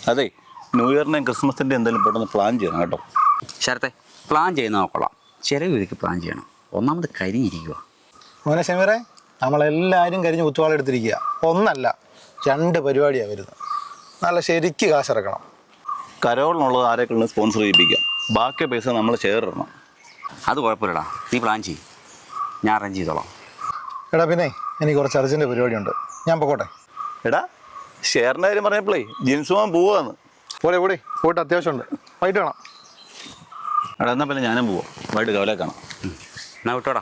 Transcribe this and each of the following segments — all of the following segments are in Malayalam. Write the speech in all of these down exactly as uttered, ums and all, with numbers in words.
അതെ, ന്യൂ ഇയറിനെയും ക്രിസ്മസിൻ്റെ എന്തെങ്കിലും പെട്ടെന്ന് പ്ലാൻ ചെയ്യണം കേട്ടോ. ശരത്തെ, പ്ലാൻ ചെയ്യുന്ന നോക്കൊള്ളാം, ചിലവ് ഇതിക്ക് പ്ലാൻ ചെയ്യണം. ഒന്നാമത് കരിഞ്ഞിരിക്കുക. മോനെ ഷമീറെ, നമ്മളെല്ലാവരും കരിഞ്ഞ് കുത്തുവാളെടുത്തിരിക്കുക. ഒന്നല്ല രണ്ട് പരിപാടിയാണ് വരുന്നത്. നല്ല ശരിക്ക് കാശിറക്കണം. കരോളിനുള്ളത് ആരെങ്കിലും സ്പോൺസർ ചെയ്യിപ്പിക്കാം, ബാക്കി പൈസ നമ്മൾ ഷെയർ ഇടണം. അത് കുഴപ്പമില്ലടാ, നീ പ്ലാൻ ചെയ്യും, ഞാൻ അറേഞ്ച് ചെയ്തോളാം. എടാ പിന്നെ എനിക്ക് കുറച്ച് അർജൻറ്റ് പരിപാടിയുണ്ട്, ഞാൻ പോട്ടെ. എടാ, ഷെയറിൻ്റെ കാര്യം പറഞ്ഞപ്പോഴേ ജിൻസ് പോകാൻ പോവാന്ന്. പോടെ പോടെ പോയിട്ട് അത്യാവശ്യമുണ്ട്, വൈകിട്ട് കാണാം. എടാ എന്നാൽ പിന്നെ ഞാനും പോവാം, വൈകിട്ട് കവലെ കാണാം. എന്നാ വിട്ടോടാ.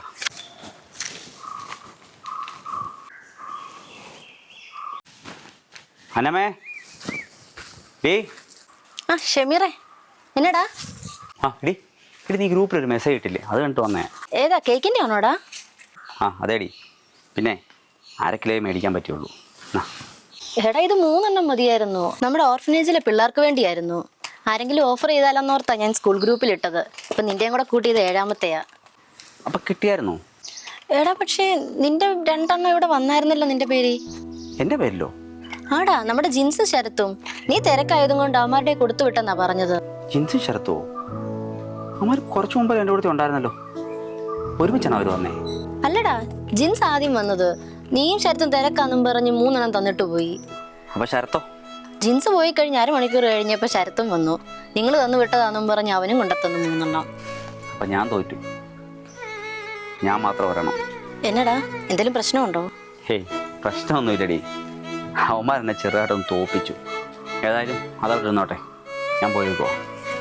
അനമേ ഡേ. ആ ഷമീറേ, എന്നടാ? ആ എടി എടി നീ ഗ്രൂപ്പിലൊരു മെസ്സേജ് ഇട്ടില്ലേ, അത് കണ്ടിട്ട് വന്നേ. ഏതാ, കേക്കിൻ്റെ ആണോടാ? ആ അതേടി. പിന്നെ അര കിലോ മേടിക്കാൻ പറ്റുള്ളൂ. എടാ ഇത് മൂന്നെണ്ണം മതിയായിരുന്നു, നമ്മുടെ ഓർഫനേജിലെ പിള്ളേർക്ക് വേണ്ടിയായിരുന്നു. ആരെങ്കിലും ഓഫർ ചെയ്താലെന്നോർത്താ ഞാൻ സ്കൂൾ ഗ്രൂപ്പിൽ ഇട്ടത്. ഇപ്പം നിൻ്റെയും കൂടെ കൂട്ടിയത് ഏഴാമത്തെയാ. അപ്പം കിട്ടിയായിരുന്നോ? എടാ പക്ഷേ നിന്റെ രണ്ടെണ്ണം ഇവിടെ വന്നായിരുന്നല്ലോ നിന്റെ പേര്. എൻ്റെ പേരിലോ? ആടാ, നമ്മുടെ ജിൻസ് ശരത്തും. നീ തിരക്കായതും കൊണ്ട് അവന്മാരുടെ കൊടുത്തു വിട്ടെന്നാ പറഞ്ഞത്. ജിൻസും ശരത്തോ? അവന്മാർ കുറച്ചു മുമ്പ് എൻ്റെ കൂടെ ഉണ്ടായിരുന്നല്ലോ. ഒരുമിച്ചാണ് അവർ വന്നേ? അല്ലടാ, ജിൻസ് ആദ്യം വന്നത്. നീയും ശരത്തും തിരക്കാന്നും പറഞ്ഞ് മൂന്നെണ്ണം തന്നിട്ട് പോയി. അപ്പൊ ശരത്തോ? ജിൻസ് പോയി കഴിഞ്ഞ് അരമണിക്കൂർ കഴിഞ്ഞപ്പോൾ ശരത്തും വന്നു. നിങ്ങൾ തന്നു വിട്ടതാന്നും പറഞ്ഞ് അവനും കൊണ്ടെത്തന്നു മൂന്നെണ്ണം. അപ്പൊ ഞാൻ തോറ്റു, ഞാൻ മാത്രം വരണം. എന്നടാ, എന്തെങ്കിലും പ്രശ്നമുണ്ടോ? ഹേയ്, പ്രശ്നമൊന്നുമില്ലടി. അവന്മാരെന്നെ ചെറുതായിട്ടൊന്ന് തോപ്പിച്ചു. ഏതായാലും അതവിടെ ഇരുന്നോട്ടെ, ഞാൻ പോയി പോവാം.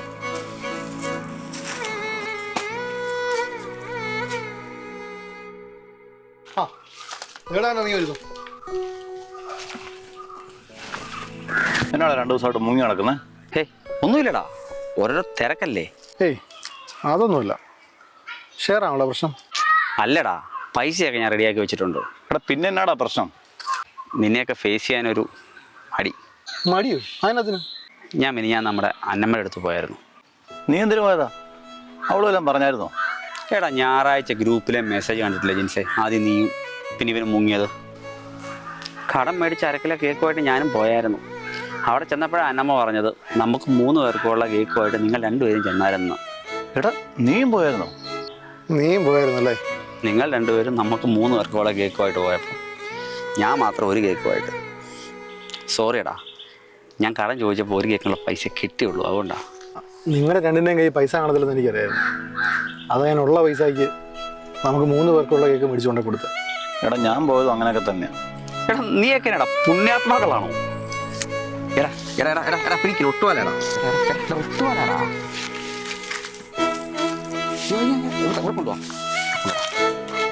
എന്നാണ് രണ്ടു ദിവസമായിട്ട് മുങ്ങി നടക്കുന്നത്? ഹേ ഒന്നുമില്ലടാ, ഓരോരോ തിരക്കല്ലേ. ഏയ് അതൊന്നുമില്ല, ഷെയർ ആണല്ലോ പ്രശ്നം. അല്ലടാ, പൈസയൊക്കെ ഞാൻ റെഡിയാക്കി വെച്ചിട്ടുണ്ട്. എടാ പിന്നെ എന്നാടാ പ്രശ്നം? നിന്നെയൊക്കെ ഫേസ് ചെയ്യാനൊരു മടി. മടിയോ? അതിനകത്തിന് ഞാൻ പിന്നെ ഞാൻ നമ്മുടെ അന്നമ്മയുടെ അടുത്ത് പോയായിരുന്നു. നീ എന്തിനു പോയതാ? അവളും എല്ലാം പറഞ്ഞായിരുന്നോ? എടാ, ഞായറാഴ്ച ഗ്രൂപ്പിലെ മെസ്സേജ് കണ്ടിട്ടില്ല ജിൻസേ? ആദ്യം നീയും പിന്നെ ഇവനും മുങ്ങിയത്. കടം മേടിച്ച് അരക്കിലോ കേക്കുമായിട്ട് ഞാനും പോയായിരുന്നു. അവിടെ ചെന്നപ്പോഴാണ് അന്നമ്മ പറഞ്ഞത് നമുക്ക് മൂന്ന് പേർക്കുള്ള കേക്കുമായിട്ട് നിങ്ങൾ രണ്ടുപേരും ചെന്നായിരുന്നു. എടാ നീയും പോയായിരുന്നോ? നീയും പോയായിരുന്നല്ലേ? നിങ്ങൾ രണ്ടുപേരും നമുക്ക് മൂന്ന് പേർക്കുള്ള കേക്കുമായിട്ട് പോയപ്പോൾ ഞാൻ മാത്രം ഒരു കേക്കുമായിട്ട്. സോറിയടാ, ഞാൻ കടം ചോദിച്ചപ്പോൾ ഒരു കേക്കിനുള്ള പൈസ കിട്ടിയുള്ളൂ, അതുകൊണ്ടാണ്. നിങ്ങളുടെ രണ്ടിൻ്റെയും കൈ പൈസ കാണത്തില്ലെന്ന് എനിക്കറിയായിരുന്നു. അത് ഞാൻ ഉള്ള പൈസയ്ക്ക് നമുക്ക് മൂന്ന് പേർക്കുള്ള കേക്ക് മേടിച്ചുകൊണ്ടേ കൊടുത്തത്. എടാ ഞാൻ പോയതും അങ്ങനെയൊക്കെ തന്നെയാണ്. എടാ നീയൊക്കെ എടാ പുണ്യാത്മാക്കളാണോ? എടാ എടാ എടാ എടാ എടാ പിടിക്കില്ല, ഒട്ടുവാലാടാ ഒട്ടുവാലാടാ കൊണ്ടുപോവാ.